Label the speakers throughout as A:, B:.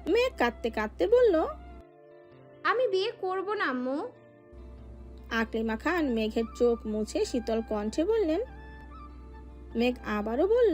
A: মেঘ কাঁদতে কাঁদতে বলল,
B: আমি বিয়ে করব না আম্মু।
A: আকলিমা খান মেঘের চোখ মুছে শীতল কণ্ঠে বললেন। মেঘ আবারও বলল,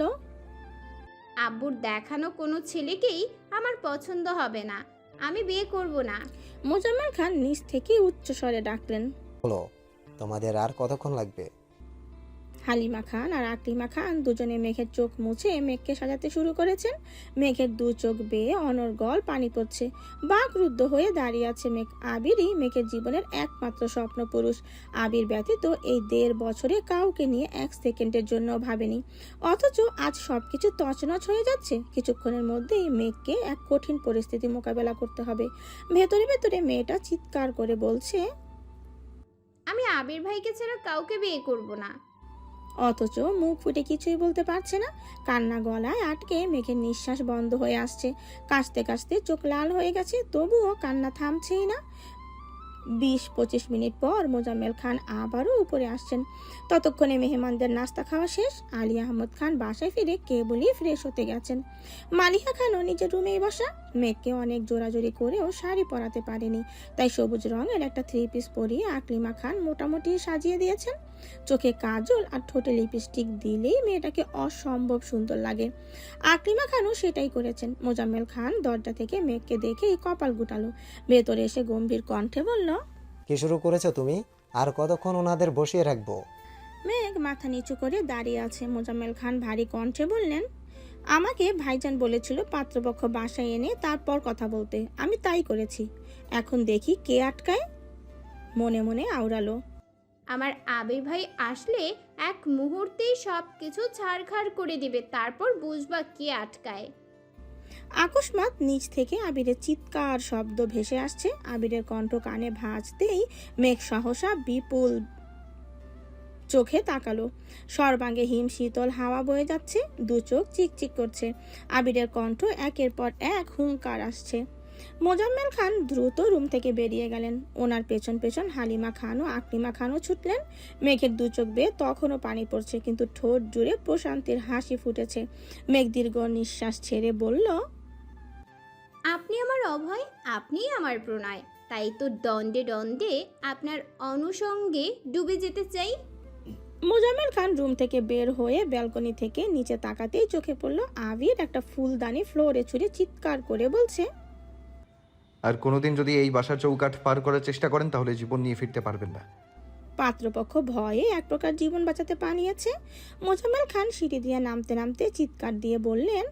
B: আব্বুর দেখানো কোনো ছেলেকেই আমার পছন্দ হবে না, আমি বিয়ে করব না।
A: মোজাম্মেল খান নিচ থেকে উচ্চ স্বরে ডাকলেন।
C: হলো, তোমাদের আর কতক্ষণ লাগবে?
A: হালিমা খান আর আকলিমা খান দুজনে মেঘের চোখ মুছে মেঘকে সাজাতে শুরু করেছেন। মেঘের দু চোখ বেয়ে অনর্গল পানি পড়ছে। বাকরুদ্ধ হয়ে দাঁড়িয়ে আছে মেঘ। আবিরই মেঘের জীবনের একমাত্র স্বপ্ন পুরুষ। আবির ব্যতীত এই 1.5 বছরে কাউকে নিয়ে 1 সেকেন্ডের জন্য ভাবেনি, অথচ আজ সবকিছু তছনছ হয়ে যাচ্ছে। কিছুক্ষণের মধ্যেই মেঘকে এক কঠিন পরিস্থিতি মোকাবেলা করতে হবে। ভেতরে ভেতরে মেয়েটা চিৎকার করে বলছে,
B: আমি আবির ভাইকে ছাড়া কাউকে বিয়ে করব না।
A: অথচ মুখ ফুটে কিছুই বলতে পারছে না। কান্না গলায় আটকে মেঘের নিঃশ্বাস বন্ধ হয়ে আসছে। কাশতে কাশতে চোখ লাল হয়ে গেছে, তবুও কান্না থামছেই না। 20-25 মিনিট পর মোজাম্মেল খান আবারও উপরে আসছেন। ততক্ষণে মেহমানদের নাস্তা খাওয়া শেষ। আলী আহমদ খান বাসায় ফিরে কেবলই ফ্রেশ হতে গেছেন। মালিহা খানও নিজের রুমেই বসা। মেঘকে অনেক জোরাজোরি করেও শাড়ি পরাতে পারেনি, তাই সবুজ রঙের একটা 3 পিস পরিয়ে আকলিমা খান মোটামুটি সাজিয়ে দিয়েছেন। চোখে কাজল আর ঠোঁটে লিপস্টিক দিলেই মেয়েটাকে অসম্ভব সুন্দর লাগে। আকলিমা খানও সেটাই করেছেন। মোজাম্মেল খান দরজা থেকে মেঘকে দেখেই কপাল গুটালো। ভেতরে এসে গম্ভীর কণ্ঠে বলল,
C: কি শুরু করেছো তুমি? আর কতক্ষণ ওনাদের বসিয়ে রাখবো?
A: মেঘ মাথা নিচু করে দাঁড়িয়ে আছে। মোজাম্মেল খান ভারী কণ্ঠে বললেন, আমাকে ভাইজান বলেছিল পাত্রপক্ষ বাসায় এনে তারপর কথা বলতে, আমি তাই করেছি। এখন দেখি কে আটকায়। মনে মনে আওড়ালো,
B: আমার আবির ভাই আসলে এক মুহূর্তেই সব কিছু ছাড়খাড় করে দিবে, তারপর বুঝবা কে আটকায়।
A: আকস্মাৎ নিচ থেকে আবিরের চিৎকার শব্দ ভেসে আসছে। আবিরের কণ্ঠ কানে ভাজতেই মেঘ সহসা বিপুল চোখে তাকালো। সর্বাঙ্গে হিম শীতল হাওয়া বয়ে যাচ্ছে, দু চোখ চিকচিক করছে। আবিরের কণ্ঠ একের পর এক হুঙ্কার আসছে। মোজাম্মেল খান দ্রুত রুম থেকে বেরিয়ে গেলেন। ওনার পেছন পেছন হালিমা খান ও আকলিমা খানও ছুটলেন। মেঘের দু চোখ বেয়ে তখনও পানি পড়ছে, কিন্তু ঠোঁট জুড়ে প্রশান্তির হাসি ফুটেছে। মেঘ দীর্ঘ নিঃশ্বাস ছেড়ে বলল,
B: আপনি আমার অভয়, আপনিই আমার প্রণয়, তাই তো দ্বন্দ্বে দ্বন্দ্বে আপনার অনুষঙ্গে ডুবে যেতে চাই।
A: মোজাম্মেল খান রুম থেকে বের হয়ে ব্যালকনি থেকে নিচে তাকাতেই চোখে পড়ল আবির একটা ফুলদানি ফ্লোরে ছুঁড়ে চিৎকার করে বলছে,
D: আর কোনোদিন যদি এই বাসার চৌকাঠ পার করার চেষ্টা করেন তাহলে জীবন নিয়ে ফিরতে পারবেন না।
A: পাত্রপক্ষ ভয়ে এক প্রকার জীবন বাঁচাতে পানিয়েছে। মোজাম্মেল খান সিঁড়ি দিয়ে নামতে নামতে চিৎকার দিয়ে বললেন,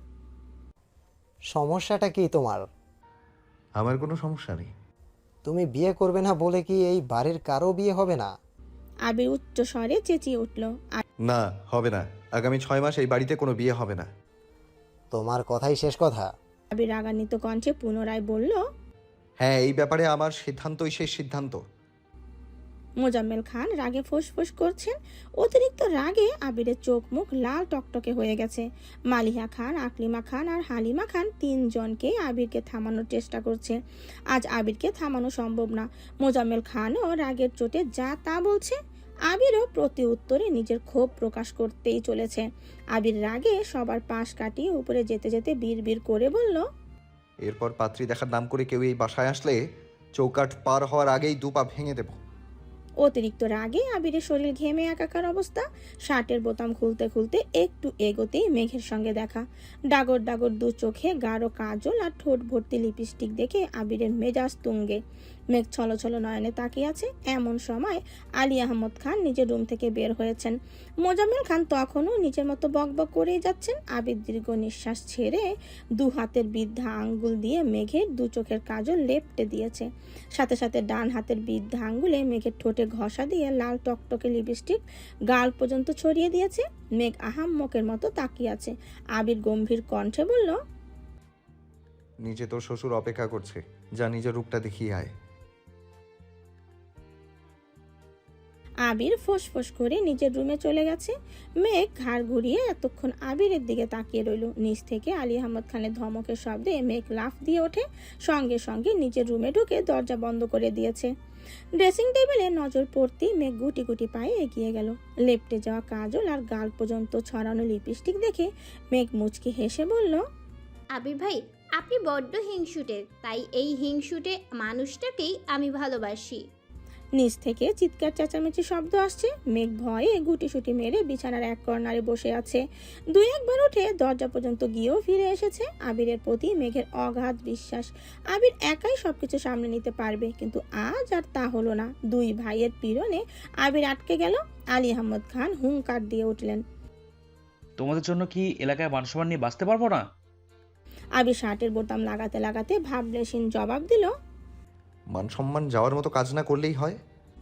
C: সমস্যাটা কি তোমার?
D: আমার কোনো সমস্যা নেই।
C: তুমি বিয়ে করবে না বলে কি এই বাড়ির কারো বিয়ে হবে না?
A: আবির উচ্চ স্বরে চেঁচিয়ে উঠল।
D: না, হবে না। আগামী 6 মাস এই বাড়িতে কোনো বিয়ে হবে না।
C: তোমার কথাই শেষ কথা?
A: আবির রাগান্বিত কণ্ঠে পুনরায় বলল।
D: হ্যাঁ, এই ব্যাপারে আমার সিদ্ধান্তই শেষ সিদ্ধান্ত।
A: মোজাম্মেল খান রাগে ফোঁস করছেন। অতিরিক্ত রাগে আবিরের চোখ মুখ লাল টকটকে হয়ে গেছে। মালিহা খান, আকলিমা খান আর হালিমা খান তিনজনকে আবিরকে থামানোর চেষ্টা করছে। আজ আবিরকে থামানো সম্ভব না। মোজাম্মেল খানও রাগের চোটে যা তা বলছে। আবিরও প্রতি উত্তরে নিজের ক্ষোভ প্রকাশ করতেই চলেছে। আবির রাগে সবার পাশ কাটিয়ে উপরে যেতে যেতে বিড়বিড় করে বলল,
D: এরপর পাত্রী দেখার নাম করে কেউ এই বাসায় আসলে চৌকাঠ পার হওয়ার আগেই 2 পা ভেঙে দেব।
A: অতিরিক্ত রাগে আবিরের শরীর ঘেমে একাকার অবস্থা। শার্টের বোতাম খুলতে খুলতে একটু এগোতেই মেঘের সঙ্গে দেখা। ডাগর ডাগর দু চোখে গাঢ় কাজল আর ঠোঁট ভর্তি লিপস্টিক দেখে আবিরের মেজাজ তুঙ্গে। মেঘ ছলছল নয়নে তাকিয়ে আছে। এমন সময় আলী আহমদ খান নিজের রুম থেকে বের হয়েছেন। মোজাম্মেল খান তখনও নিজের মতো বকবক করেই যাচ্ছেন। আবির দীর্ঘ নিঃশ্বাস ছেড়ে 2 হাতের বৃদ্ধা আঙ্গুল দিয়ে মেঘের 2 চোখের কাজল লেপটে দিয়েছে। সাথে সাথে ডান হাতের বৃদ্ধা আঙ্গুলে মেঘের ঠোঁটে ঘষা দিয়ে লাল টকটকে লিপস্টিক গাল পর্যন্ত ছড়িয়ে দিয়েছে। মেঘ আহাম্মকের মতো তাকিয়ে আছে। আবির গম্ভীর কণ্ঠে বলল,
D: নিচে তোর শ্বশুর অপেক্ষা করছে, যা নিজের রূপটা দেখিয়ে আয়।
A: আবির ফোঁস করে নিজের রুমে চলে গেছে। মেঘ ঘাড় ঘুরিয়ে এতক্ষণ আবিরের দিকে তাকিয়ে রইল। নিচ থেকে আলী আহমদ খানের ধমকের শব্দে মেঘ লাফ দিয়ে ওঠে। সঙ্গে সঙ্গে নিজের রুমে ঢুকে দরজা বন্ধ করে দিয়েছে। ড্রেসিং টেবিলে নজর পড়তেই মেঘ গুটি গুটি পায়ে এগিয়ে গেল। লেপটে যাওয়া কাজল আর গাল পর্যন্ত ছড়ানো লিপস্টিক দেখে মেঘ মুচকি হেসে বলল,
B: আবির ভাই, আপনি বড্ড হিংসুটে, তাই এই হিংসুটে মানুষটাকেই আমি ভালোবাসি।
A: নিচ থেকে চিৎকার চেঁচামেচি শব্দ আসছে। মেঘ ভয়ে গুটিসুটি মেরে বিছানার এক কর্নারে বসে আছে। দুই একবার উঠে দরজা পর্যন্ত গিয়েও ফিরে এসেছে। আবিরের প্রতি মেঘের অগাধ বিশ্বাস, আবির একাই সবকিছু সামনে নিতে পারবে, কিন্তু আজ আর তা হলো না। দুই ভাইয়ের পীড়নে আবির আটকে গেল। আলী আহমদ খান হুঙ্কার দিয়ে উঠলেন।
E: তোমাদের জন্য কি এলাকায় মান সম্মান নিয়ে বাঁচতে পারবো না?
A: আবির শার্টের বোতাম লাগাতে লাগাতে ভাবলেশীন জবাব দিল।
D: মান সম্মান যাওয়ার মতো কাজ না করলেই হয়।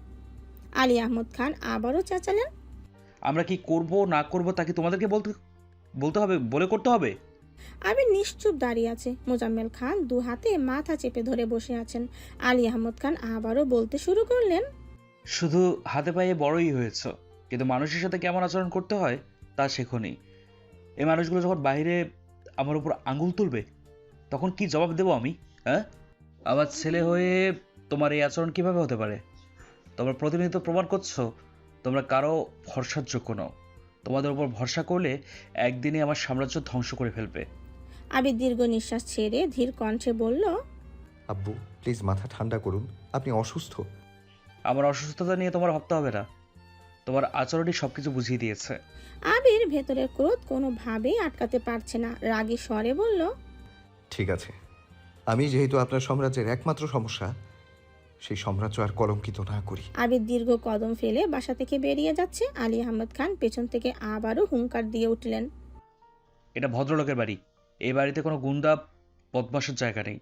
A: আলী আহমদ খান আবারও চেঁচালেন।
E: আমরা কি করব না করব তা কি তোমাদেরকে বলতে হবে, বলে করতে হবে?
A: আবির নিশ্চুপ দাঁড়িয়ে আছে। মোজাম্মেল খান দু হাতে মাথা চেপে ধরে বসে আছেন। আলী আহমদ খান আবারও বলতে শুরু করলেন।
E: শুধু হাতে পায়ে বড়ই হয়েছ, কিন্তু মানুষের সাথে কেমন আচরণ করতে হয় তা শেখোনি। এই মানুষগুলো যখন বাইরে আমার উপর আঙুল তুলবে, তখন কি জবাব দেবো আমি? হ্যাঁ, আমার ছেলে হয়ে তোমার এই আচরণ কিভাবে হতে পারে? তোমরা প্রতিনিয়ত প্রমাণ করছো তোমরা কারো ভরসার যোগ্য নও। তোমাদের উপর ভরসা করলে একদিনে আমার সাম্রাজ্য ধ্বংস করে ফেলবে।
A: আবির দীর্ঘ নিঃশ্বাস ছেড়ে ধীর কণ্ঠে বলল।
D: আব্বু প্লিজ মাথা ঠান্ডা করুন, আপনি অসুস্থ।
E: আমার অসুস্থতা নিয়ে তোমার ভাবতে হবে না, তোমার আচরণই সবকিছু বুঝিয়ে দিয়েছে।
A: আবির ভেতরের ক্রোধ কোনোভাবেই আটকাতে পারছে না। রাগী স্বরে বলল।
D: ঠিক আছে, আমি যেহেতু আপনার সাম্রাজ্যের একমাত্র সমস্যা, সেই সাম্রাজ্য আর কলঙ্কিত না করি।
A: আবির দীর্ঘ কদম ফেলে বাসা থেকে বেরিয়ে যাচ্ছে। আলী আহমদ খান পেছন থেকে আবারও হুঙ্কার দিয়ে উঠলেন।
E: এটা ভদ্রলোকের বাড়ি, এই বাড়িতে কোনো গুন্ডা বদমাশের জায়গা নেই।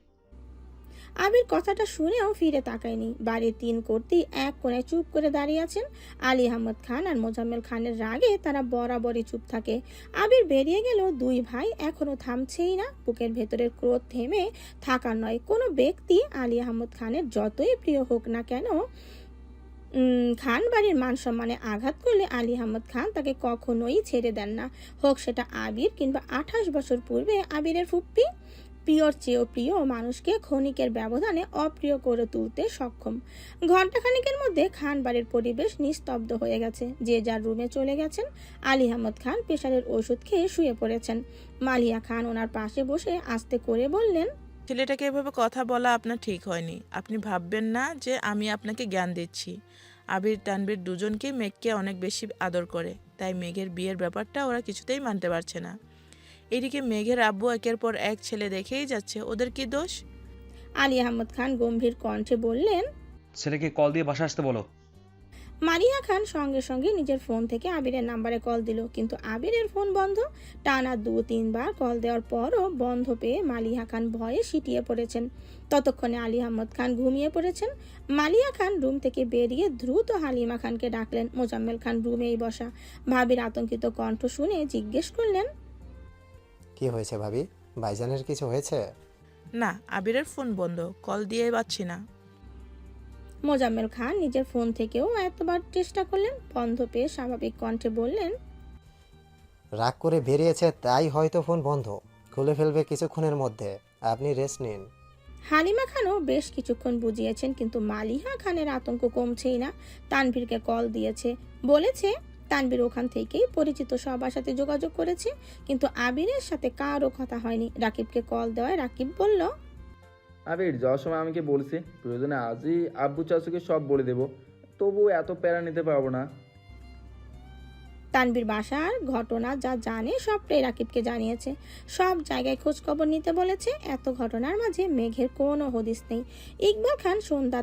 A: আবির কথাটা শুনেও ফিরে তাকায়নি। বাড়ির তিন কর্তী এক কোণে চুপ করে দাঁড়িয়ে আছেন। আলী আহমদ খান আর মোজাম্মেল খানের রাগে তারা বরাবরই চুপ থাকে। আবির বেরিয়ে গেল, দুই ভাই এখনো থামছেই না। বুকের ভেতরের ক্রোধ থেমে থাকার নয়। কোনো ব্যক্তি আলী আহমদ খানের যতই প্রিয় হোক না কেন, খান বাড়ির মান সম্মানে আঘাত করলে আলী আহমদ খান তাকে কখনোই ছেড়ে দেন না। হোক সেটা আবির কিংবা 28 বছর পূর্বে আবিরের ফুপ্পি। প্রিয়র চেয়েও প্রিয় মানুষকে ক্ষণিকের ব্যবধানে অপ্রিয় করে তুলতে সক্ষম। ঘণ্টাখানিকের মধ্যে খান বাড়ির পরিবেশ নিস্তব্ধ হয়ে গেছে। যে যার রুমে চলে গেছেন। আলী আহমদ খান প্রেশারের ওষুধ খেয়ে শুয়ে পড়েছেন। মালিয়া খান ওনার পাশে বসে আস্তে করে বললেন।
F: ছেলেটাকে এভাবে কথা বলা আপনার ঠিক হয়নি। আপনি ভাববেন না যে আমি আপনাকে জ্ঞান দিচ্ছি। আবির তানবীর দুজনকেই মেঘকে অনেক বেশি আদর করে, তাই মেঘের বিয়ের ব্যাপারটা ওরা কিছুতেই মানতে পারছে না। এদিকে মেঘের আব্বু একের পর এক ছেলে দেখেই যাচ্ছে, ওদের কি দোষ?
A: আলী আহমদ খান গম্ভীর কণ্ঠে বললেন।
E: ছেলেকে কল দিয়ে বাসা আসতে বলো।
A: মারিয়া খান সঙ্গে সঙ্গে নিজের ফোন থেকে আবিরের নাম্বারে কল দিল, কিন্তু আবিরের ফোন বন্ধ। টানা 2-3 বার কল দেওয়ার পরও বন্ধ পেয়ে মালিয়া খান ভয়ে সিটিয়ে পড়েছেন। ততক্ষণে আলী আহমদ খান ঘুমিয়ে পড়েছেন। মালিয়া খান রুম থেকে বেরিয়ে দ্রুত হালিমা খানকে ডাকলেন। মোজাম্মেল খান রুমেই বসা। ভাবির আতঙ্কিত কণ্ঠ শুনে জিজ্ঞেস করলেন।
C: কি হয়েছে ভাবি? ভাইজানের কিছু হয়েছে?
F: না, আবিরের ফোন বন্ধ, কল দিয়ে পাচ্ছি না।
A: মোজাম্মেল খান নিজের ফোন থেকেও এতবার চেষ্টা করলেন, বন্ধ পেয়ে স্বাভাবিক কণ্ঠে বললেন।
C: রাগ করে বেরিয়েছে তাই হয়তো ফোন বন্ধ, খুলে ফেলবে কিছুক্ষণের মধ্যে, আপনি রেস্ট নিন।
A: হালিমা খানও বেশ কিছুক্ষণ বুঝিয়েছেন, কিন্তু মালিহা খানের আতঙ্ক কমছেই না। তানভীরকে কল দিয়েছে, বলেছে তানভীর ওখান থেকেই পরিচিত সবার সাথে যোগাযোগ করেছে, কিন্তু আবিরের সাথে কারো কথা হয়নি। রাকিবকে কল দেওয়ায় রাকিব বলল।
G: আবির যাওয়ার সময় আমাকে বলছে প্রয়োজনে আজই আব্বু চাচুকে সব বলে দেব, তবু এত প্যারা নিতে পারবো না।
A: তানভীর বাসার ঘটনা যা জানে সবটাই রাকিবকে জানিয়েছে। সব জায়গায় খোঁজ খবর নিতে বলেছে। এত ঘটনার মাঝে মেঘের কোনো হদিস নেই। ইকবাল খান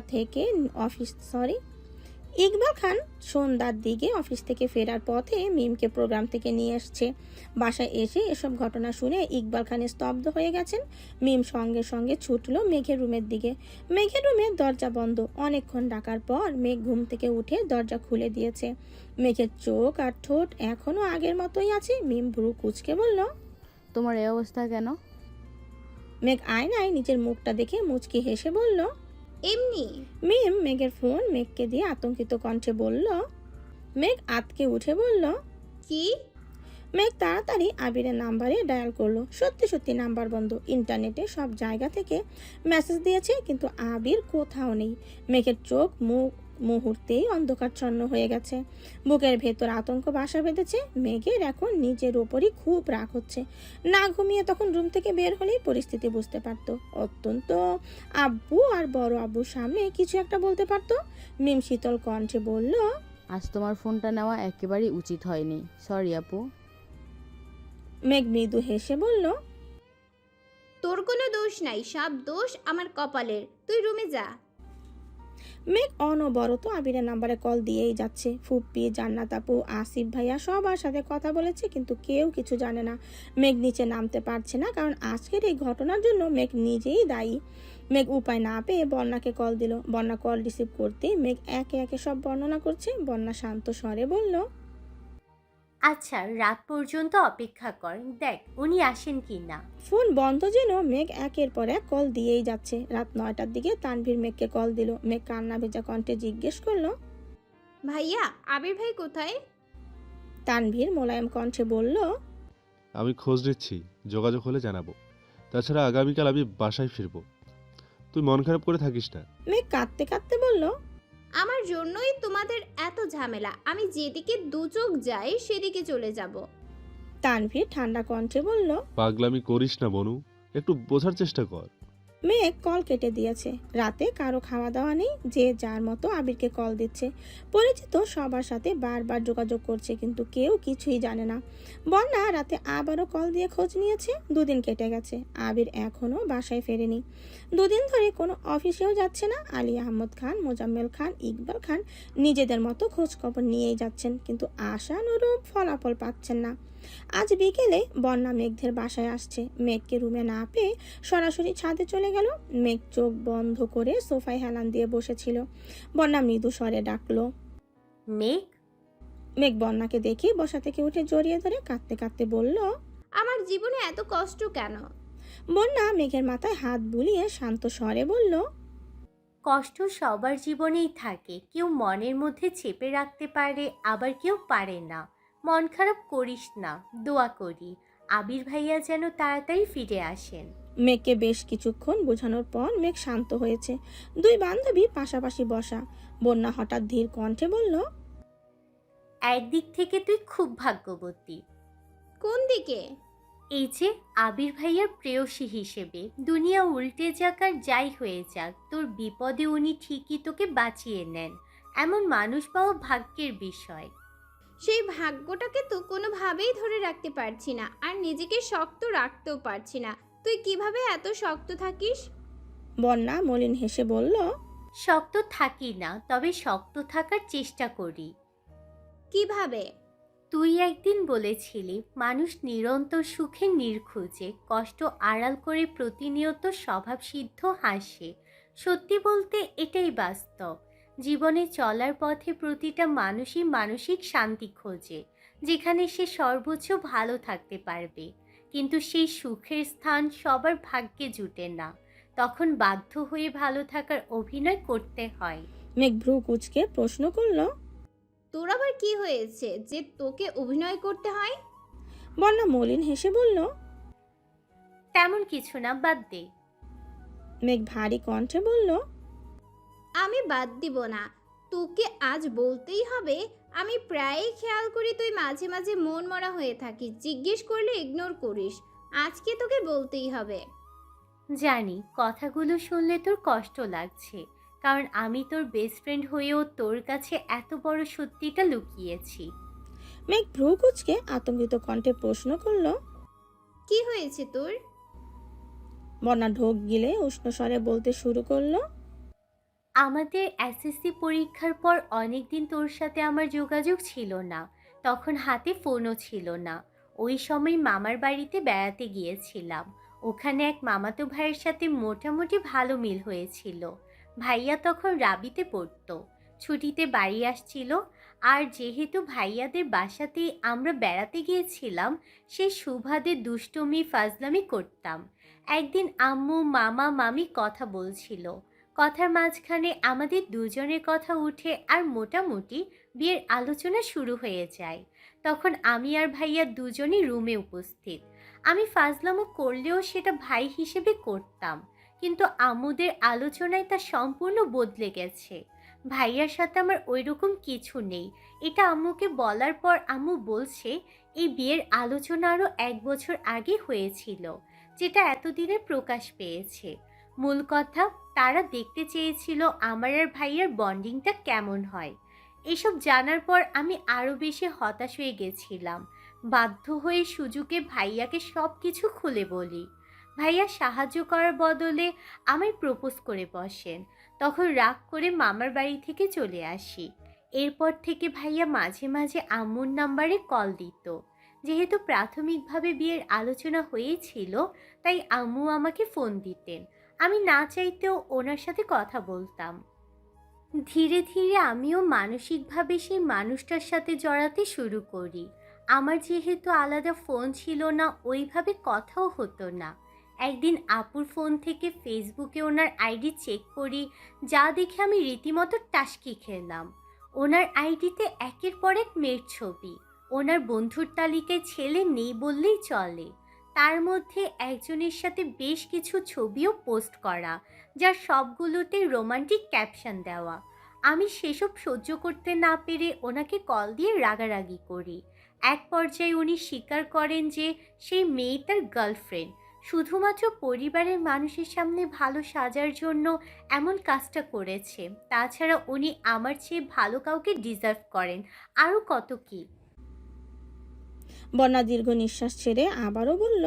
A: সন্ধ্যার দিকে অফিস থেকে ফেরার পথে মিমকে প্রোগ্রাম থেকে নিয়ে এসছে। বাসায় এসে এসব ঘটনা শুনে ইকবাল খান স্তব্ধ হয়ে গেছেন। মিম সঙ্গে সঙ্গে ছুটলো মেঘের রুমের দিকে। মেঘের রুমের দরজা বন্ধ। অনেকক্ষণ ডাকার পর মেঘ ঘুম থেকে উঠে দরজা খুলে দিয়েছে। মেঘের চোখ আর ঠোঁট এখনো আগের মতোই আছে। মিম ভ্রু কুঁচকে বলল।
H: তোমার এই অবস্থা কেন?
A: মেঘ আয়নায় নিজের মুখটা দেখে মুচকি হেসে বলল।
B: এমনি।
A: মিম মেঘের ফোন মেঘকে দিয়ে আতঙ্কিত কণ্ঠে বলল। মেঘ আতকে উঠে বলল।
B: কি?
A: মেঘ তাড়াতাড়ি আবিরের নাম্বারে ডায়াল করলো। সত্যি সত্যি নাম্বার বন্ধ। ইন্টারনেটে সব জায়গা থেকে মেসেজ দিয়েছে, কিন্তু আবির কোথাও নেই। মেঘের চোখ মুখ মুহূর্তেই অন্ধকারচ্ছন্ন হয়ে গেছে। বুকের ভেতর আতঙ্ক বাসা বেঁধেছে। মেঘের এখন নিজের ওপরই খুব রাগ হচ্ছে। না ঘুমিয়ে তখন রুম থেকে বের হলেই পরিস্থিতি বুঝতে পারতো। অত্যন্ত আব্বু আর বড় আব্বুর সামনে কিছু একটা বলতে পারতো। মিম শীতল কণ্ঠে বলল,
H: আজ তোমার ফোনটা নেওয়া একেবারেই উচিত হয়নি, সরি আপু।
A: মেঘ মৃদু হেসে বলল,
B: তোর কোনো দোষ নাই, সব দোষ আমার কপালের। তুই রুমে যা।
A: মেঘ অনবরত আবিরের নাম্বারে কল দিয়েই যাচ্ছে। ফুপ্পি, জান্নাত আপু, আসিফ ভাইয়া সবার সাথে কথা বলেছে, কিন্তু কেউ কিছু জানে না। মেঘ নিচে নামতে পারছে না, কারণ আজকের এই ঘটনার জন্য মেঘ নিজেই দায়ী। মেঘ উপায় না পেয়ে বন্যাকে কল দিল। বন্যা কল রিসিভ করতেই মেঘ একে একে সব বর্ণনা করছে। বন্যা শান্ত স্বরে বলল,
I: আচ্ছা, রাত পর্যন্ত অপেক্ষা কর, দেখ উনি আসেন কি না।
A: ফোন বন্ধ যেন মেঘ একের পর এক কল দিয়েই যাচ্ছে। রাত 9টার দিকে তানভীর মেঘকে কল দিল। মেঘ কান্না ভেজা কণ্ঠে জিজ্ঞেস করলো,
B: ভাইয়া, আবির ভাই কোথায়?
A: তানভীর মোলায়েম কণ্ঠে বলল,
J: আমি খোঁজ নিচ্ছি, যোগাযোগ হলে জানাবো। তাছাড়া আগামীকাল আমি বাসায় ফিরবো, তুই মন খারাপ করে থাকিস না।
A: মেঘ কাঁদতে কাঁদতে বলল,
B: আমার জন্যই তোমাদের এত ঝামেলা। আমি যেদিকে দু চোখ যাই সেদিকে চলে যাব।
A: তানভীর ঠান্ডা কণ্ঠে বলল।
J: পাগলামি করিস না বনু, একটু বোঝার চেষ্টা কর।
A: মেঘ কল কেটে দিয়েছে। রাতে কারো খাওয়া দাওয়া নেই, যে যার মতো আবিরকে কল দিচ্ছে। পরিচিত সবার সাথে বারবার যোগাযোগ করছে, কিন্তু কেউ কিছুই জানে না। বন্যা রাতে আবারও কল দিয়ে খোঁজ নিয়েছে। 2 দিন কেটে গেছে, আবির এখনো বাসায় ফেরেনি। 2 দিন ধরে কোনো অফিসেও যাচ্ছে না। আলী আহমদ খান, মোজাম্মেল খান, ইকবাল খান নিজেদের মতো খোঁজ খবর নিয়েই যাচ্ছেন, কিন্তু আশানুরূপ ফলাফল পাচ্ছেন না। আজ বিকেলে বন্যা মেঘদের বাসায় আসছে। মেঘকে রুমে না পেয়ে সরাসরি ছাদে চলে গেল। মেঘ চোখ বন্ধ করে সোফায় হেলান দিয়ে বসেছিল। বন্যা মৃদু স্বরে ডাকলো,
I: মেঘ।
A: মেঘ বন্যাকে দেখে বসা থেকে উঠে জড়িয়ে ধরে কাঁদতে কাঁদতে বলল,
B: আমার জীবনে এত কষ্ট কেন?
A: বন্যা মেঘের মাথায় হাত বুলিয়ে শান্ত স্বরে বলল,
I: কষ্ট সবার জীবনেই থাকে, কেউ মনের মধ্যে চেপে রাখতে পারে, আবার কেউ পারে না। মন খারাপ করিস না, দোয়া করি আবির ভাইয়া যেন তাড়াতাড়ি ফিরে আসেন।
A: মেঘকে বেশ কিছুক্ষণ বোঝানোর পর মেঘ শান্ত হয়েছে। 2 বান্ধবী পাশাপাশি বসা। বন্যা হঠাৎ ধীর কণ্ঠে বলল,
I: একদিক থেকে তুই খুব ভাগ্যবতী।
B: কোন দিকে?
I: এই যে আবির ভাইয়ার প্রেয়সী হিসেবে, দুনিয়া উল্টে যাক আর যাই হয়ে যাক, তোর বিপদে উনি ঠিকই তোকে বাঁচিয়ে নেন। এমন মানুষ পাওয়া ভাগ্যের বিষয়।
B: সেই ভাগ্যটাকে তো কোনোভাবেই ধরে রাখতে পারছি না, আর নিজেকে শক্ত রাখতেও পারছি না। তুই কিভাবে এত শক্ত থাকিস?
A: বন্যা মলিন হেসে বলল,
I: শক্ত থাকি না, তবে শক্ত থাকার চেষ্টা করি।
B: কিভাবে?
I: তুই একদিন বলেছিলি মানুষ নিরন্তর সুখে নির্খুঁজে, কষ্ট আড়াল করে প্রতিনিয়ত স্বভাবসিদ্ধ হাসে। সত্যি বলতে এটাই বাস্তব। জীবনে চলার পথে প্রতিটা মানুষই মানসিক শান্তি খোঁজে, যেখানে সে সর্বোচ্চ ভালো থাকতে পারবে। কিন্তু সেই সুখের স্থান সবার ভাগ্যে জুটে না, তখন বাধ্য হয়ে ভালো থাকার অভিনয় করতে হয়।
A: মেঘ ভ্রু কুঁচকে প্রশ্ন করল,
B: তোর আবার কি হয়েছে যে তোকে অভিনয় করতে হয়?
A: বন্যা মলিন হেসে বলল,
I: তেমন কিছু না, বাদ দে।
A: মেঘ ভারী কণ্ঠে বলল,
B: আমি বাদ দিব না, তোকে আজ বলতেই হবে। আমি প্রায়ই খেয়াল করি তুই মাঝে মাঝে মন মরা হয়ে থাকিস, জিজ্ঞেস করলে ইগনোর করিস। আজকে তোকে বলতেই হবে।
I: জানি কথাগুলো শুনলে তোর কষ্ট লাগছে, কারণ আমি তোর বেস্ট ফ্রেন্ড হয়েও তোর কাছে এত বড় সত্যিটা লুকিয়েছি।
A: মেঘ ভ্রু কুঁচকে আতঙ্কিত কণ্ঠে প্রশ্ন করল,
B: কি হয়েছে তোর?
A: বন্যা ঢোক গিলে উষ্ণ স্বরে বলতে শুরু করলো,
I: আমাদের এসএসসি পরীক্ষার পর অনেকদিন তোর সাথে আমার যোগাযোগ ছিল না, তখন হাতে ফোনও ছিল না। ওই সময় মামার বাড়িতে বেড়াতে গিয়েছিলাম। ওখানে এক মামাতো ভাইয়ের সাথে মোটামুটি ভালো মিল হয়েছিল। ভাইয়া তখন রাবিতে পড়তো, ছুটিতে বাড়ি আসছিল। আর যেহেতু ভাইয়াদের বাসাতেই আমরা বেড়াতে গিয়েছিলাম, সেই সুবাদে দুষ্টুমি ফাজলামি করতাম। একদিন আম্মু মামা মামি কথা বলছিল, কথার মাঝখানে আমাদের দুজনের কথা উঠে আর মোটামুটি বিয়ের আলোচনা শুরু হয়ে যায়। তখন আমি আর ভাইয়া দুজনই রুমে উপস্থিত। আমি ফাজলামো করলেও সেটা ভাই হিসেবে করতাম, কিন্তু আম্মুদের আলোচনায় তা সম্পূর্ণ বদলে গেছে। ভাইয়ার সাথে আমার ওইরকম কিছু নেই। এটা আম্মুকে বলার পর আম্মু বলছে এই বিয়ের আলোচনা আরও 1 বছর আগে হয়েছিল, যেটা এতদিনে প্রকাশ পেয়েছে। মূল কথা, তারা দেখতে চেয়েছিল আমার আর ভাইয়ার বন্ডিংটা কেমন হয়। এসব জানার পর আমি আরও বেশি হতাশ হয়ে গেছিলাম। বাধ্য হয়ে সুজুকে ভাইয়াকে সব কিছু খুলে বলি। ভাইয়া সাহায্য করার বদলে আমায় প্রপোজ করে বসেন। তখন রাগ করে মামার বাড়ি থেকে চলে আসি। এরপর থেকে ভাইয়া মাঝে মাঝে আম্মুর নাম্বারে কল দিত। যেহেতু প্রাথমিকভাবে বিয়ের আলোচনা হয়েছিল, তাই আম্মু আমাকে ফোন দিতেন। আমি না চাইতেও ওনার সাথে কথা বলতাম। ধীরে ধীরে আমিও মানসিকভাবে সেই মানুষটার সাথে জড়াতে শুরু করি। আমার যেহেতু আলাদা ফোন ছিল না, ওইভাবে কথাও হতো না। একদিন আপুর ফোন থেকে ফেসবুকে ওনার আইডি চেক করি, যা দেখে আমি রীতিমতো টাসকি খেলাম। ওনার আইডিতে একের পর এক মেয়ের ছবি। ওনার বন্ধুর তালিকায় ছেলে নেই বললেই চলে। তার মধ্যে একজনের সাথে বেশ কিছু ছবিও পোস্ট করা, যার সবগুলোতে রোমান্টিক ক্যাপশন দেওয়া। আমি সেসব সহ্য করতে না পেরে ওনাকে কল দিয়ে রাগারাগি করি। এক পর্যায়ে উনি স্বীকার করেন যে সেই মেয়ে তার গার্লফ্রেন্ড, শুধুমাত্র পরিবারের মানুষের সামনে ভালো সাজার জন্য এমন কাজটা করেছে। তাছাড়া উনি আমার চেয়ে ভালো কাউকে ডিজার্ভ করেন, আরও কত কি।
A: বন্যা দীর্ঘ নিঃশ্বাস ছেড়ে আবারও বলল,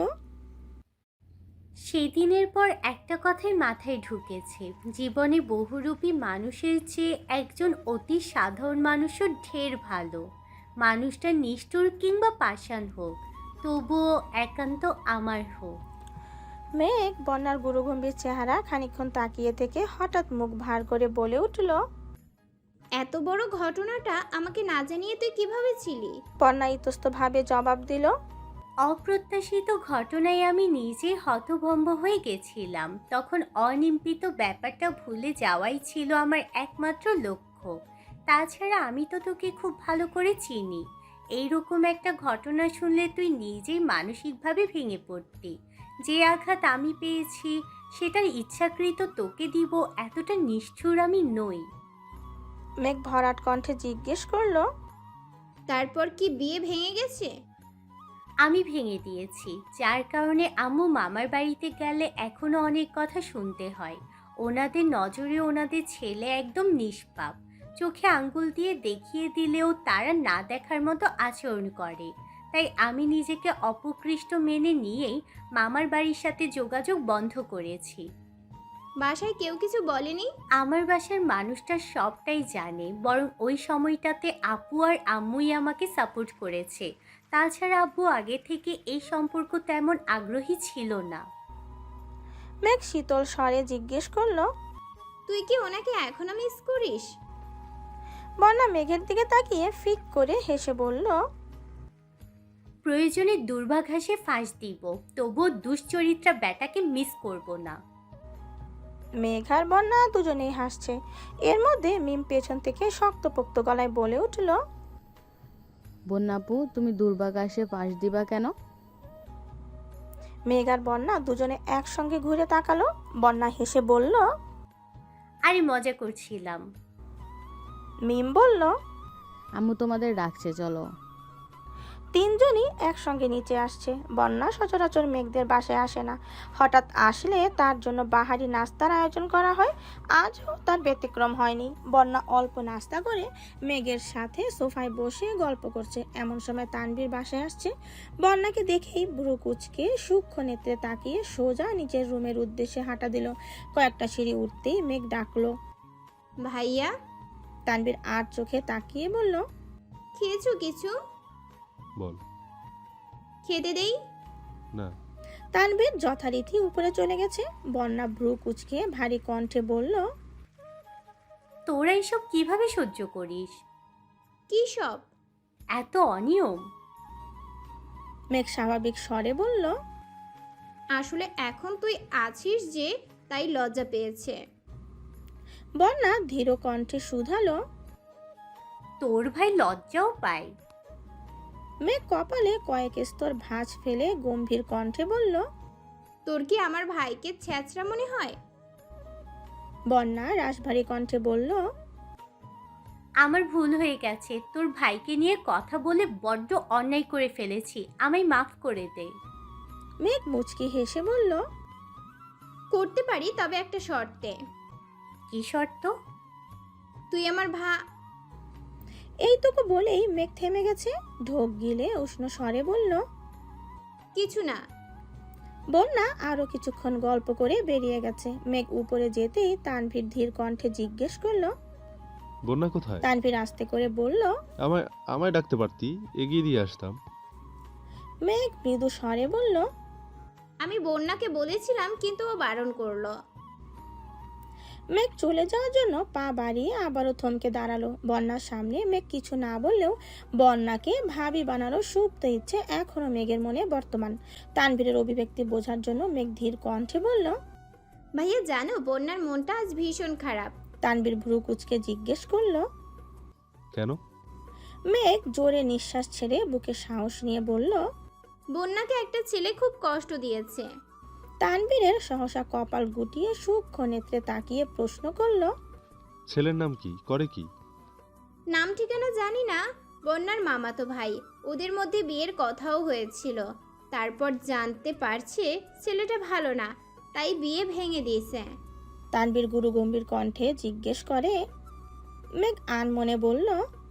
I: সেদিনের পর একটা কথাই মাথায় ঢুকেছে, জীবনে বহুরূপী মানুষের চেয়ে একজন অতি সাধারণ মানুষও ঢের ভালো। মানুষটা নিষ্ঠুর কিংবা পাষাণ হোক, তবুও একান্ত আমার হোক।
A: মেঘ বন্যার গুরুগম্ভীর চেহারা খানিকক্ষণ তাকিয়ে থেকে হঠাৎ মুখ ভার করে বলে উঠল,
B: এত বড় ঘটনাটা আমাকে না জানিয়ে তুই কিভাবে ছিলি?
A: বন্যা ইতস্তভাবে জবাব দিল,
I: অপ্রত্যাশিত ঘটনায় আমি নিজে হতভম্ব হয়ে গেছিলাম। তখন অনিম্পিত ব্যাপারটা ভুলে যাওয়াই ছিল আমার একমাত্র লক্ষ্য। তাছাড়া আমি তো তোকে খুব ভালো করে চিনি। এইরকম একটা ঘটনা শুনলে তুই নিজেই মানসিকভাবে ভেঙে পড়তি। যে আঘাত আমি পেয়েছি সেটার ইচ্ছাকৃত তোকে দিব এতটা নিষ্ঠুর আমি নই।
A: মেঘ ভরাট কণ্ঠে জিজ্ঞেস করলো,
B: তারপর কি বিয়ে ভেঙে গেছে?
I: আমি ভেঙে দিয়েছি, যার কারণে আম্মু মামার বাড়িতে গেলে এখনো অনেক কথা শুনতে হয়। ওনাদের নজরে ওনাদের ছেলে একদম নিষ্পাপ। চোখে আঙ্গুল দিয়ে দেখিয়ে দিলেও তারা না দেখার মতো আচরণ করে। তাই আমি নিজেকে অপকৃষ্ট মেনে নিয়েই মামার বাড়ির সাথে যোগাযোগ বন্ধ করেছি।
B: বাসায় কেউ কিছু বলেনি?
I: আমার বাসার মানুষটা সবটাই জানে, বরং ওই সময়টাতে আপু আর আম্মুই আমাকে সাপোর্ট করেছে। তাছাড়া আব্বু আগে থেকে এই সম্পর্ক তেমন আগ্রহী ছিল না।
A: মেঘ শীতল স্বরে জিজ্ঞেস করলো,
B: তুই কি ওনাকে এখনো মিস করিস?
A: বন্যা মেঘের দিকে তাকিয়ে ফিক করে হেসে বলল,
I: প্রয়োজনে দুর্ভাঘাসে ফাঁস দিব, তবুও দুশ্চরিত্রা ব্যাটাকে মিস করব না।
A: মেঘ আর বন্যা দুজনেই হাসছে। এর মধ্যে মিম পেছন থেকে শক্তপোক্ত গলায় বলে উঠল,
H: বন্যাপু, তুমি দুর্বাঘাসে পাশ দিবা কেন?
A: মেঘ আর বন্যা দুজনে একসঙ্গে ঘুরে তাকালো। বন্যা হেসে বলল,
I: আরে মজা করছিলাম।
A: মিম বলল,
H: আম্মু তোমাদের ডাকছে, চলো।
A: তিনজনই একসঙ্গে নিচে আসছে। বন্যা সচরাচর মেঘদের বাসায় আসে না, হঠাৎ আসলে তার জন্য বাহারি নাস্তার আয়োজন করা হয়। আজও তার ব্যতিক্রম হয়নি। বন্যা অল্প নাস্তা করে মেঘের সাথে সোফায় বসে গল্প করছে। এমন সময় তানভীর বাসায় আসছে। বন্যাকে দেখেই ভ্রু কুঁচকে সূক্ষ্ম নেত্রে তাকিয়ে সোজা নিজের রুমের উদ্দেশ্যে হাঁটা দিল। কয়েকটা সিঁড়ি উঠতেই মেঘ ডাকলো,
B: ভাইয়া।
A: তানভীর আর চোখে তাকিয়ে বলল,
B: খেয়েছো কিছু?
J: বল।
B: খেতে দেই?
J: না।
A: তানভীর যথারীতি উপরে চলে গেছে। বন্যা ভ্রু কুঁচকে ভারী কণ্ঠে বলল,
I: তোরা এসব কিভাবে সহ্য করিস?
B: কি সব?
I: এত অনিয়ম।
A: মেঘ স্বাভাবিক স্বরে বলল,
B: আসলে এখন তুই আছিস যে, তাই লজ্জা পেয়েছে।
A: বন্যা ধীর কণ্ঠে শুধালো,
I: তোর ভাই লজ্জাও পায়?
A: মেঘ কপালে কয়েক স্তর ভাঁজ ফেলে গম্ভীর কণ্ঠে বলল,
B: তোর কি আমার ভাইকে ছ্যাঁচড়া মনে হয়?
A: বন্যা রাশভারী কণ্ঠে বলল,
I: আমার ভুল হয়ে গেছে, তোর ভাইকে নিয়ে কথা বলে বড্ড অন্যায় করে ফেলেছি, আমায় মাফ করে দে।
A: মেঘ মুচকি হেসে বলল,
B: করতে পারি, তবে একটা শর্তে।
I: কি শর্ত?
B: তুই আমার
A: এইটুকু বলেই মেঘ থেমে গেছে। ঢোক গিলে উষ্ণ স্বরে বলল,
B: কিছু না।
A: বন্যা আরো কিছুক্ষণ গল্প করে বেরিয়ে গেছে। মেঘ উপরে যেতেই তানভীর ধীর কণ্ঠে জিজ্ঞেস করলো।
J: বন্যা কোথায়?
A: তানভীর আস্তে করে বলল,
J: আমায় আমায় ডাকতে পারতি, এগিয়ে দিয়ে আসতাম।
A: মেঘ মৃদু স্বরে বলল,
B: আমি বন্যাকে বলেছিলাম, কিন্তু ও বারণ করলো।
A: মেঘ চলে যাওয়ার জন্য পা বাড়িয়ে আবারও থমকে দাঁড়ালো। বন্যার সামনে মেঘ কিছু না বললেও বন্যাকে ভাবি বানানোর সুপ্ত ইচ্ছে এখনো মেঘের মনে বর্তমান। তানভীরের অভিব্যক্তি বোঝার জন্য মেঘ ধীর কণ্ঠে বলল,
B: ভাইয়া জানো, বন্যার মনটা আজ ভীষণ খারাপ।
A: তানভীর ভ্রু কুচকে জিজ্ঞেস করলো।
J: কেন?
A: মেঘ জোরে নিঃশ্বাস ছেড়ে বুকে সাহস নিয়ে বলল,
B: বন্যাকে একটা ছেলে খুব কষ্ট দিয়েছে।
A: তানভীরের সহসা কপাল গুটিয়ে সূক্ষ্ম নেত্রে তাকিয়ে প্রশ্ন করলো,
J: ছেলের নাম কি, করে কি?
B: নাম ঠিকানা জানি না। বন্যার মামাতো ভাই, ওদের মধ্যে বিয়ের কথাও হয়েছিল। তারপর জানতে পারছে ছেলেটা ভালো না, তাই বিয়ে ভেঙে দিয়েছে।
A: তানভীর গুরু গম্ভীর কণ্ঠে জিজ্ঞেস করে। মেঘ আনমনে বলল,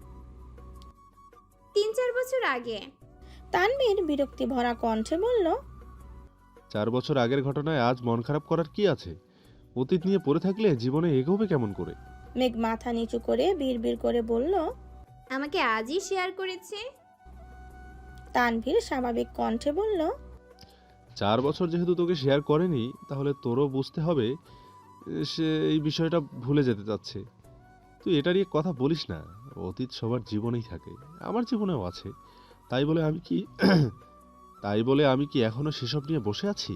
B: 3-4 বছর আগে।
A: তানভীর বিরক্তি ভরা কণ্ঠে বলল,
J: 4 বছর আগের ঘটনায় আজ মন খারাপ করার কি আছে? অতীত নিয়ে পড়ে থাকলে জীবনে এগোবে কেমন করে?
A: মেঘ মাথা নিচু করে বিড়বিড় করে বলল।
B: আমাকে আজই শেয়ার করেছে।
A: তানভীর স্বাভাবিক কণ্ঠে বলল,
J: 4 বছর যেহেতু তোকে শেয়ার করেনি, তাহলে তোরও বুঝতে হবে সে এই বিষয়টা ভুলে যেতে চাচ্ছে। তুই এটা নিয়ে কথা বলিস না। অতীত সবার জীবনেই থাকে, আমার জীবনেও আছে। তাই বলে আমি কি এখনো সেসব নিয়ে বসে আছি?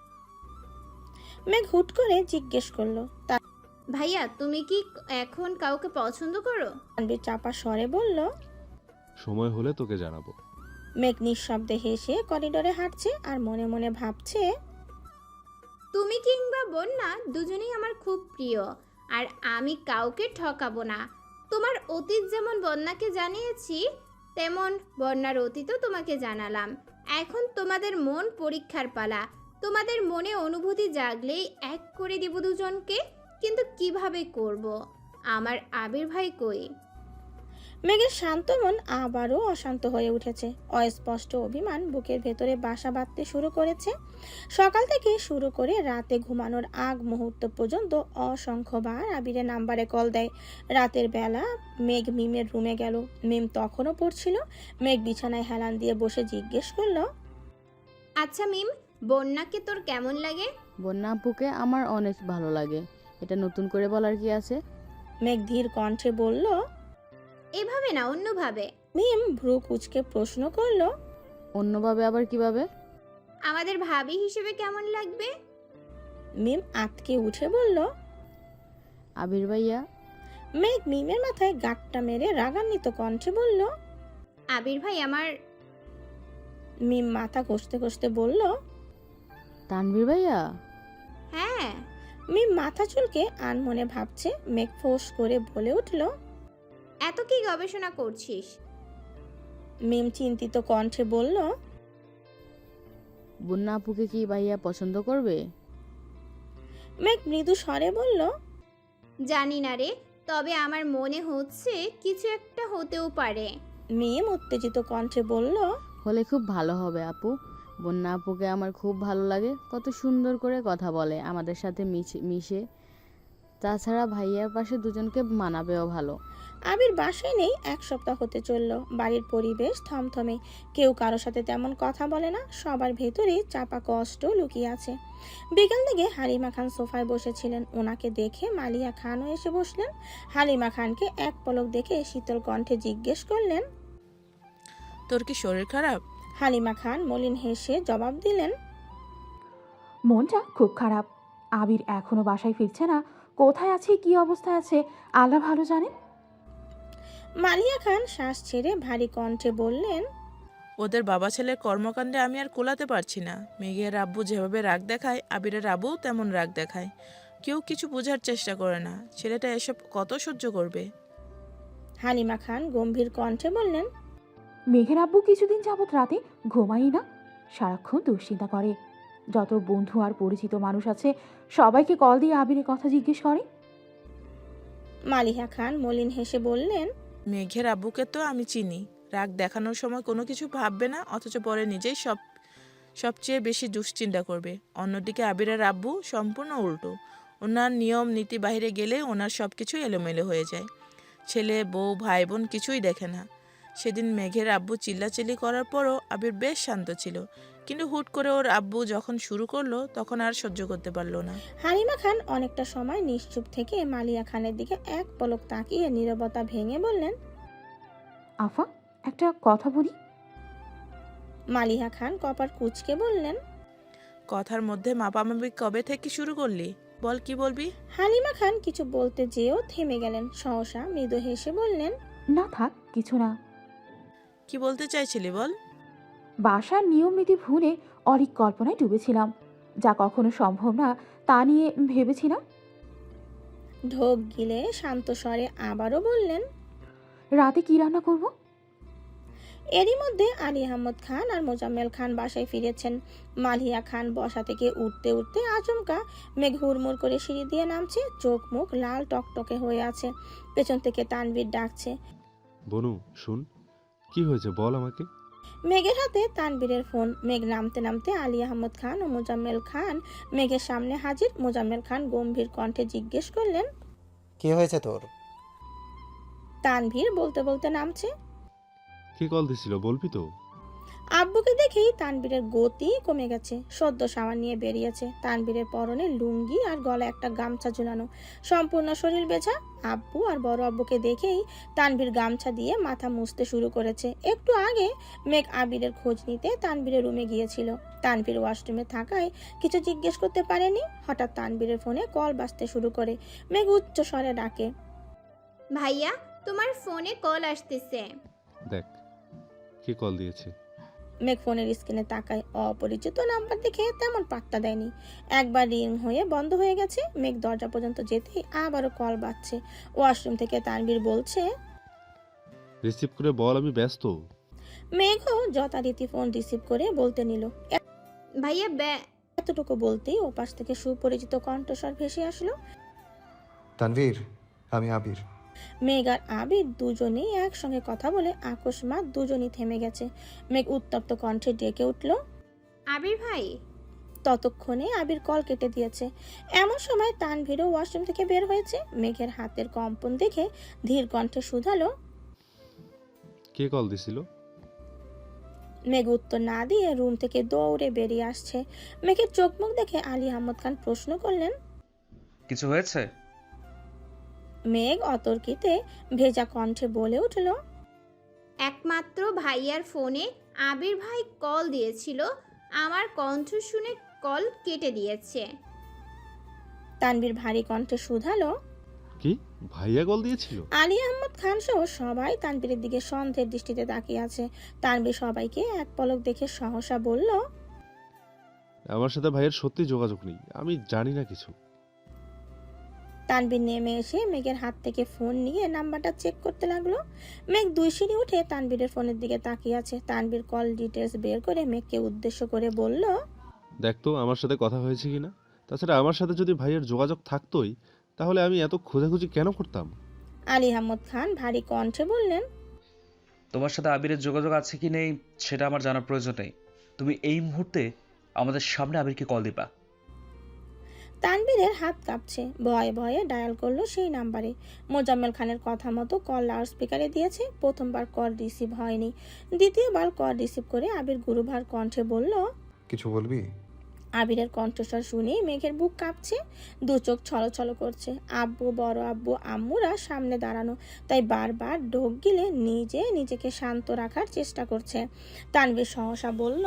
A: মেঘ হুট করে জিজ্ঞেস করলো।
B: ভাইয়া, তুমি কি এখন কাউকে পছন্দ করো?
A: তানভীর চাপা স্বরে বলল।
J: সময় হলে তোকে জানাবো।
A: মেঘ নিঃশব্দে হেসে করিডোরে হাঁটছে আর মনে মনে ভাবছে,
B: তুমি কিংবা বন্যা দুজনেই আমার খুব প্রিয়, আর আমি কাউকে ঠকাবো না। তোমার অতীত যেমন বন্যাকে জানিয়েছি, তেমন বন্যার অতীতও তোমাকে জানালাম। এখন তোমাদের মন পরীক্ষার পালা। তোমাদের মনে অনুভূতি জাগলেই এক করে দিব দুজনকে। কিন্তু কিভাবে করব? আমার আবির ভাই কই?
A: মেঘের শান্ত মন আবারও অশান্ত হয়ে উঠেছে। অস্পষ্ট অভিমান বুকের ভেতরে বাসা বাঁধতে শুরু করেছে। সকাল থেকে শুরু করে রাতে ঘুমানোর আগ মুহূর্ত পর্যন্ত অসংখ্যবার আবিরের নাম্বারে কল দেয়। রাতের বেলা মেঘ মিমের রুমে গেল। মিম তখনও পড়ছিল। মেঘ বিছানায় হেলান দিয়ে বসে জিজ্ঞেস করলো,
B: আচ্ছা মিম, বন্যাকে তোর কেমন লাগে?
H: বন্যা আপুকে আমার অনেক ভালো লাগে। এটা নতুন করে বলার কি আছে?
A: মেঘ ধীর কণ্ঠে বলল।
B: এভাবে না, অন্যভাবে।
A: মিম ভ্রু কুচকে প্রশ্ন করলো,
H: অন্যভাবে আবার কিভাবে?
B: আমাদের ভাবি হিসেবে কেমন লাগবে?
A: মিম আতকে উঠে বলল।
H: আবির ভাইয়া।
A: মেঘ মিমের মাথায় গাঁটটা মেরে রাগান্বিত কণ্ঠে বলল।
B: আবির ভাই আমার।
A: মিম মাথা ঘষতে ঘষতে বলল,
H: তানভীর ভাইয়া।
B: হ্যাঁ।
A: মিম মাথা চুলকে আনমনে ভাবছে। মেঘ ফোঁস করে বলে উঠল,
B: এত কি গবেষণা করছিস?
A: মিম চিন্তিত কণ্ঠে বলল,
H: বন্যা আপুকে কি ভাইয়া পছন্দ করবে?
A: মেঘ মৃদু স্বরে বলল,
B: জানি না রে, তবে আমার মনে হচ্ছে কিছু একটা হতেও পারে।
A: মিম উত্তেজিত কণ্ঠে বলল,
H: হলে খুব ভালো হবে আপু। বন্যা আপুকে আমার খুব ভালো লাগে, কত সুন্দর করে কথা বলে আমাদের সাথে মিশে। তাছাড়া ভাইয়ার পাশে দুজনকে মানাবেও ভালো।
A: আবির বাসায় নেই 1 সপ্তাহ হতে চলল। বাড়ির পরিবেশ থমথমে। কেউ কারোর সাথে তেমন কথা বলে না। সবার ভেতরে চাপা কষ্ট লুকিয়ে আছে। বিকাল থেকে হালিমা খান সোফায় বসেছিলেন। ওনাকে দেখে মালিয়া খানও এসে বসলেন। হালিমা খানকে এক পলক দেখে শীতল কণ্ঠে জিজ্ঞেস করলেন,
F: তোর কি শরীর খারাপ?
A: হালিমা খান মলিন হেসে জবাব দিলেন,
K: মনটা খুব খারাপ। আবির এখনো বাসায় ফিরছে না। কোথায় আছে, কি অবস্থায় আছে, আল্লাহ ভালো জানে।
A: মালিয়া খান শ্বাস ছেড়ে ভারী কণ্ঠে বললেন,
F: ওদের বাবা ছেলের কর্মকাণ্ডে আমি আর কোলাতে পারছি না। মেঘের আব্বু যেভাবে রাগ দেখায়, আবিরের আব্বুও তেমন রাগ দেখায়। কেউ কিছু বোঝার চেষ্টা করে না। ছেলেটা এসব কত সহ্য করবে?
A: হালিমা খান গম্ভীর কণ্ঠে বললেন,
K: মেঘের আব্বু কিছুদিন যাবৎ রাতে ঘুমাই না, সারাক্ষণ দুশ্চিন্তা করে। যত বন্ধু আর পরিচিত মানুষ আছে সবাইকে কল দিয়ে আবিরের কথা জিজ্ঞেস করে।
A: মালিহা খান মলিন হেসে বললেন,
F: মেঘের আব্বুকে তো আমি চিনি, রাগ দেখানোর সময় কোনো কিছু ভাববে না, অথচ পরে নিজেই সবচেয়ে বেশি দুশ্চিন্তা করবে। অন্যদিকে আবিরের আব্বু সম্পূর্ণ উল্টো। ওনার নিয়ম নীতি বাইরে গেলে ওনার সব কিছু এলোমেলো হয়ে যায়। ছেলে বউ ভাই বোন কিছুই দেখে না। সেদিন মেঘের আব্বু চিল্লাচিল্লি করার পরও আবির বেশ শান্ত ছিল, কিন্তু হুট করে ওর আব্বু যখন শুরু করলো তখন আর সহ্য করতে পারলো না।
A: হালিমা খান অনেকটা সময় নিশ্চুপ থেকে মালিয়া খানের দিকে এক পলক তাকিয়ে নীরবতা ভেঙে বললেন,
K: আফা, একটা কথা বলি।
A: মালিহা খান কপার কুঁচকে বললেন,
F: কথার মধ্যে মাপামাপি কবে থেকে শুরু করলি? বল, কি বলবি?
A: হালিমা খান কিছু বলতে যেও থেমে গেলেন। সহসা মৃদু হেসে বললেন,
K: না থাক, কিছু না।
F: কি বলতে চাইছিলি বল।
K: বাসার নিয়ম নীতি ভুলে অনেক কল্পনায় ডুবেছিলাম, যা কখনো সম্ভব না তা নিয়ে ভেবেছিলাম।
A: ঢোক গিলে শান্ত স্বরে আবারও বললেন,
K: রাতে কি রান্না করব?
A: এরই মধ্যে আলী আহমদ খান আর মোজাম্মেল খান বাসায় ফিরেছেন। মালিয়া খান বসা থেকে উঠতে উঠতে আচমকা মেঘ হুড়মুড় করে সিঁড়ি দিয়ে নামছে। চোখ মুখ লাল টকটকে হয়ে আছে। পেছন থেকে তানভীর ডাকছে,
J: বনু শুন, কি হয়েছে বল আমাকে।
A: মেঘের হাতে তানভীরের ফোন। মেঘ নামতে নামতে আলী আহমদ খান ও মোজাম্মেল খান মেঘের সামনে হাজির। মোজাম্মেল খান গম্ভীর কণ্ঠে জিজ্ঞেস করলেন,
C: কি হয়েছে তোর?
A: তানভীর বলতে বলতে নামছে।
J: কে কল দিছিল বলবি তো?
A: আব্বুকে দেখেই তানবীরের গতি কমে গেছে। সদ্য সাবান নিয়ে বেরিয়েছে। তানবীরের পরনে লুঙ্গি আর গলায় একটা গামছা ঝুলানো, সম্পূর্ণ শরীর বেছা। আব্বু আর বড় আব্বুকে দেখেই তানবীর গামছা দিয়ে মাথা মুছতে শুরু করেছে। একটু আগে মেঘ আবিরের খোঁজ নিতে তানবীরের রুমে গিয়েছিল। তানবীর ওয়াশরুমে থাকায় কিছু জিজ্ঞেস করতে পারেনি। হঠাৎ তানবীরের ফোনে কল বাজতে শুরু করে। মেঘ উচ্চ স্বরে ডাকে,
B: ভাইয়া, তোমার ফোনে কল আসতেছে।
J: দেখ কে কল দিয়েছে।
A: মেঘ ফোনের স্ক্রিনে তাকায়। অপরিচিত নাম্বার দেখে তেমন পাত্তা দেয়নি। একবার রিং হয়ে বন্ধ হয়ে গেছে। মেঘ দরজা পর্যন্ত যেতেই আবারও কল বাজছে। ওয়াশরুম থেকে তানবীর বলছে,
J: রিসিভ করে বল আমি ব্যস্ত।
A: মেঘও যথারীতি ফোন রিসিভ করে বলতে নিল।
B: ভাইয়া
A: এতটুকু বলতেই ওপাশ থেকে সুপরিচিত কণ্ঠস্বর ভেসে আসলো,
D: তানভীর, আমি আবির।
A: মেঘ আর আবির দুজনেই একসঙ্গে কথা বলে আকস্মাৎ দুজনই থেমে গেছে। মেঘ উত্তপ্ত কণ্ঠে ডেকে উঠল,
B: আবির ভাই।
A: ততক্ষণে আবির কল কেটে দিয়েছে। এমন সময় তানভীরও ওয়াশরুম থেকে বের হয়েছে। মেঘের হাতের কম্পন দেখে ধীর কণ্ঠে শুধালো,
J: কে কল দিছিল?
A: মেঘ উত্তর না দিয়ে রুম থেকে দৌড়ে বেরিয়ে আসছে। মেঘের চোখ মুখ দেখে আলী আহমদ খান প্রশ্ন করলেন,
E: কিছু হয়েছে?
A: মেঘ অতর্কিতে ভেজা কণ্ঠে বলে উঠল,
B: একমাত্র ভাইয়ার ফোনে আবির ভাই কল দিয়েছিল, আমার কণ্ঠ শুনে কল কেটে দিয়েছে।
A: তানভীর ভারী কণ্ঠে শুধালো,
J: কি ভাইয়া কল দিয়েছিল?
A: আলী আহমদ খান সহ সবাই তানভীরের দিকে সন্দেহের দৃষ্টিতে তাকিয়ে আছে। তানভীর সবাইকে এক পলক দেখে সহসা বলল,
J: আমার সাথে ভাইয়ের সত্যি যোগাযোগ নেই, আমি জানি না কিছু।
A: তানভীর নেমে এসে মেঘের হাত থেকে ফোন নিয়ে নাম্বারটা চেক করতে লাগলো। মেঘ 2 সিঁড়ি উঠে তানভীরের ফোনের দিকে তাকিয়ে আছে। তানভীর কল ডিটেলস বের করে মেঘকে উদ্দেশ্য করে বলল,
J: দেখ তো আমার সাথে কথা হয়েছে কিনা। তাছাড়া আমার সাথে যদি ভাইয়ের যোগাযোগ থাকতোই তাহলে আমি এত খোঁজাখুঁজি কেন করতাম?
A: আলী আহমদ খান ভারী কণ্ঠে বললেন,
E: তোমার সাথে আবিরের যোগাযোগ আছে কি নেই সেটা আমার জানার প্রয়োজন নেই। তুমি এই মুহূর্তে আমাদের সামনে আবিরকে কল দিবা।
A: তানভীরের হাত কাঁপছে। ভয়ে ভয়ে ডায়াল করলো সেই নাম্বারে। মোজাম্মেল খানের কথা মতো কল লাউড স্পিকারে দিয়েছে। প্রথমবার কল রিসিভ হয়নি। দ্বিতীয়বার কল রিসিভ করে আবির গুরুভার কণ্ঠে বলল,
D: কিছু বলবি?
A: আবিরের কণ্ঠস্বর শুনে মেঘের বুক কাঁপছে, দু চোখ ছলছল করছে। আব্বু, বড় আব্বু, আম্মুরা সামনে দাঁড়ানো, তাই বারবার ঢোক গিলে নিজেকে শান্ত রাখার চেষ্টা করছে। তানভীর সহসা বলল,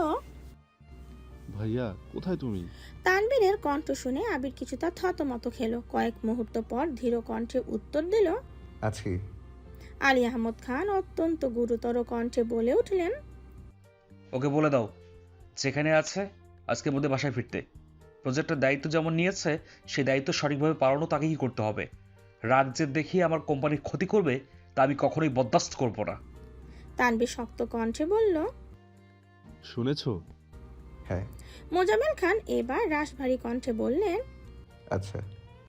J: ভাইয়া কোথায় তুমি?
A: তানভীরের কণ্ঠ শুনে আবির কিছুটা থতমত খেলো। কয়েক মুহূর্ত পর ধীর কণ্ঠে উত্তর দিল,
D: আছি।
A: আলী আহমদ খান অত্যন্ত গুরুতর কণ্ঠে বলে উঠলেন,
E: ওকে বলে দাও যেখানে আছে আজকের মধ্যে বাসায় ফিরতে। প্রজেক্টের দায়িত্ব যেমন নিয়েছে সেই দায়িত্ব সঠিকভাবে পালনও তাকেই করতে হবে। রাগ যে দেখিয়ে আমার কোম্পানির ক্ষতি করবে তা আমি কখনোই বরদাস্ত করব না।
A: তানভীর শক্ত কণ্ঠে বলল।
J: শুনেছো?
D: হ্যাঁ।
A: মোজাম্মেল খান এবার রাশভারী কণ্ঠে বললেন।
D: আচ্ছা